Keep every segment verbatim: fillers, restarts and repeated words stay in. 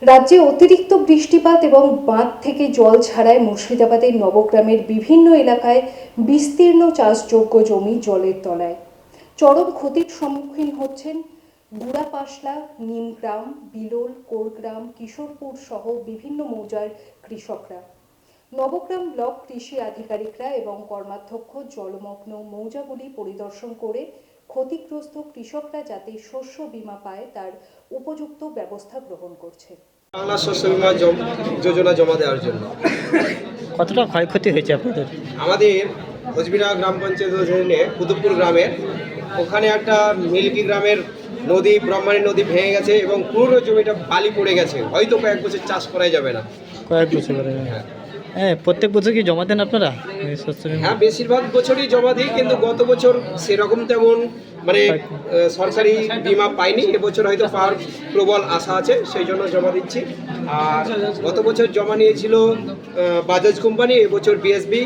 রাজ্যে অতিরিক্ত বৃষ্টিপাত এবং বাঁধ থেকে জল ছাড়ায় মুর্শিদাবাদের নবগ্রামের বিভিন্ন এলাকায় বিস্তীর্ণ চাষযোগ্য জমি জলের তলায়। চরম ক্ষতির সম্মুখীন হচ্ছেন বুড়াপাশলা, নিমগ্রাম, বিলোল, কোরগ্রাম, কিশোরপুর সহ বিভিন্ন মৌজার কৃষকরা। নবগ্রাম ব্লক কৃষি আধিকারিকরা এবং কর্মাধ্যক্ষ জলমগ্ন মৌজাগুলি পরিদর্শন করে ক্ষতিগ্রস্ত কৃষকরা যাতে শস্য বীমা পায় তার উপযুক্ত ব্যবস্থা গ্রহণ করছে। বাংলা শস্য বীমা যোজনা জমা দেওয়ার জন্য কতটা ক্ষয়ক্ষতি হয়েছে আপনাদের? আমাদের কোচবিরা গ্রাম পঞ্চায়েত অধীনে কুতুবপুর গ্রামের ওখানে একটা মিল্কি গ্রামের নদী ব্রহ্মাণী নদী ভেঙে গেছে এবং পুরো জমিটা বালি পড়ে গেছে, হয়তো কয়েক বছর চাষ করাই যাবে না। কয়েক বছর ধরে? হ্যাঁ। হ্যাঁ, প্রত্যেক বছর কি জমা দেন আপনারা শস্য বীমা? হ্যাঁ, বেশিরভাগ বছরই জমা দিই, কিন্তু গত বছর সেরকম তেমন মানে সরকারি বীমা পাইনি। এবছর হয়তো পাওয়ার প্রবল আশা আছে, সেই জন্য জমা দিচ্ছি। আর গত বছর জমা নিয়েছিল বাজাজ কোম্পানি, এবছর বিএসবি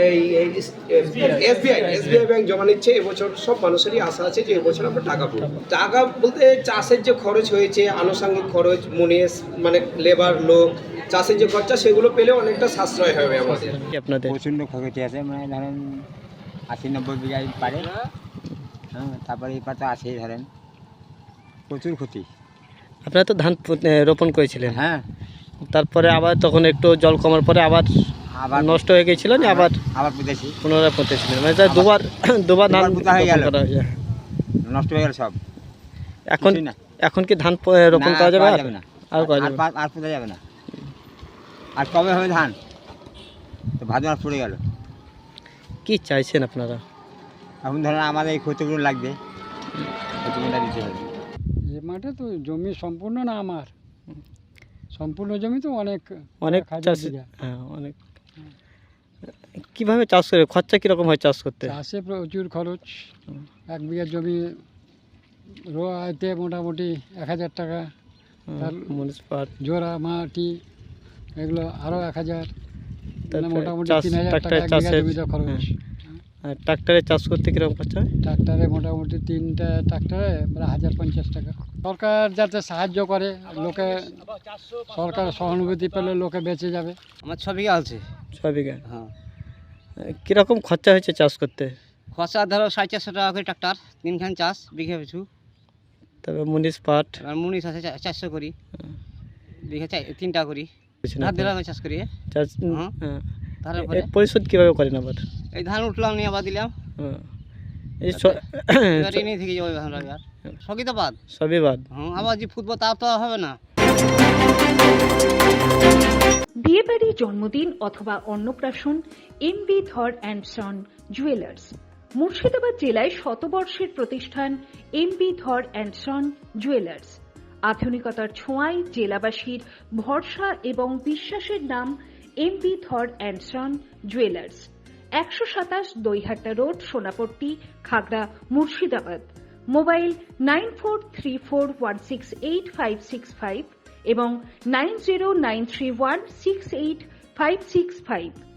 এসবিআই এসবিআই ব্যাংক জমা নিচ্ছে। এবছর সব মানুষেরই আশা আছে যে এবছর আমরা টাকা পাবো। টাকা বলতে চাষের যে খরচ হয়েছে, আনুষঙ্গিক খরচ, মুনিশ মানে লেবার লোক, চাষের যে খরচা, সেগুলো পেলে অনেকটা সাশ্রয় হবে আমাদের। আপনাদের প্রচণ্ড ক্ষয়ক্ষতি আছে, মানে ধরেন আশি নব্বই বিঘায় পারে। হ্যাঁ, তারপরে এই পাতা আছেই, ধরেন প্রচুর ক্ষতি। আপনারা তো ধান রোপণ করেছিলেন, হ্যাঁ, তারপরে আবার তখন একটু জল কমার পরে আবার আবার নষ্ট হয়ে গেছিল, আবার আবার পুঁতেছি, পুনরায় পুঁতেছিলেন, মানে তাই দুবার দুবার ধান পুঁতা হয়ে গেল, করা হয়েছে, নষ্ট হয়ে গেল সব। এখন না, এখন কি ধান রোপণ করা যাবে? যাবে না, আর করা যাবে আর আর পুঁতা যাবে না। আর কবে হবে ধান? তো ভাদ্র মাস পড়ে গেল। কি চাইছেন আপনারা? এখন ধরেন আমাদের এই ক্ষতিগুলো লাগবে, ক্ষতিগুলো দিতে হবে। যে মাঠে তো জমি সম্পূর্ণ না আমার, সম্পূর্ণ জমি তো অনেক অনেক হাজার চাষ, বিঘা। হ্যাঁ অনেক। কিভাবে চাষ করে, খরচা কীরকম হয় চাষ করতে? চাষে প্রচুর খরচ। এক বিঘা জমি রোয়াইতে মোটামুটি এক হাজার টাকা, তার মুনিসিপাল জোড়া মাটি এগুলো আরও এক হাজার, তারপরে মোটামুটি চাষ, তিন হাজার টাকা ট্রাক্টরে এক বিঘা চাষের, জমিতে খরচ। হ্যাঁ। আর ট্রাক্টরে চাষ করতে কীরকম খরচা হয়? ট্রাক্টরে মোটামুটি তিনটা ট্রাক্টরে প্রায় হাজার পঞ্চাশ টাকা। সরকার যাতে সাহায্য করে, লোকে সরকার সহানুভূতি পেলে লোকে বেঁচে যাবে। আমার ছ বিঘা আছে। ছয় বিঘা? হ্যাঁ। কীরকম খরচা হয়েছে চাষ করতে? খরচা ধরো সাড়ে চারশো টাকা করে ট্রাক্টর, তিনখান চাষ বিঘা পিছু। তবে মুনিশ পাট আর মুনিশ আছে চারশো করি, বিঘা তিনটা করি, ধান দিলাম চাষ করি। চাষ, হ্যাঁ। হ্যাঁ। তারপরে এর পরিশোধ কীভাবে করেন আবার? এই ধান উঠলাম নিয়ে আবার দিলাম, হ্যাঁ। এই ঋণই থেকে যাবো ধান আর সবই তো বাদ, সবই বাদ। হ্যাঁ। আবার যে ফুটবল তা তো হবে না। বিয়েবাড়ি, জন্মদিন অথবা অন্নপ্রাশন, এমবি ধর অ্যান্ড সন জুয়েলার্স। মুর্শিদাবাদ জেলায় শতবর্ষের প্রতিষ্ঠান এমবি ধর অ্যান্ড সন জুয়েলার্স। আধুনিকতার ছোঁয়ায় জেলাবাসীর ভরসা এবং বিশ্বাসের নাম এমবি ধর অ্যান্ড সন জুয়েলার্স। একশো সাতাশ Doihata road, Sonapatti, Khagra, Murshidabad. Mobile nine four three four one six eight five six five এবং nine zero nine three one six eight five six five.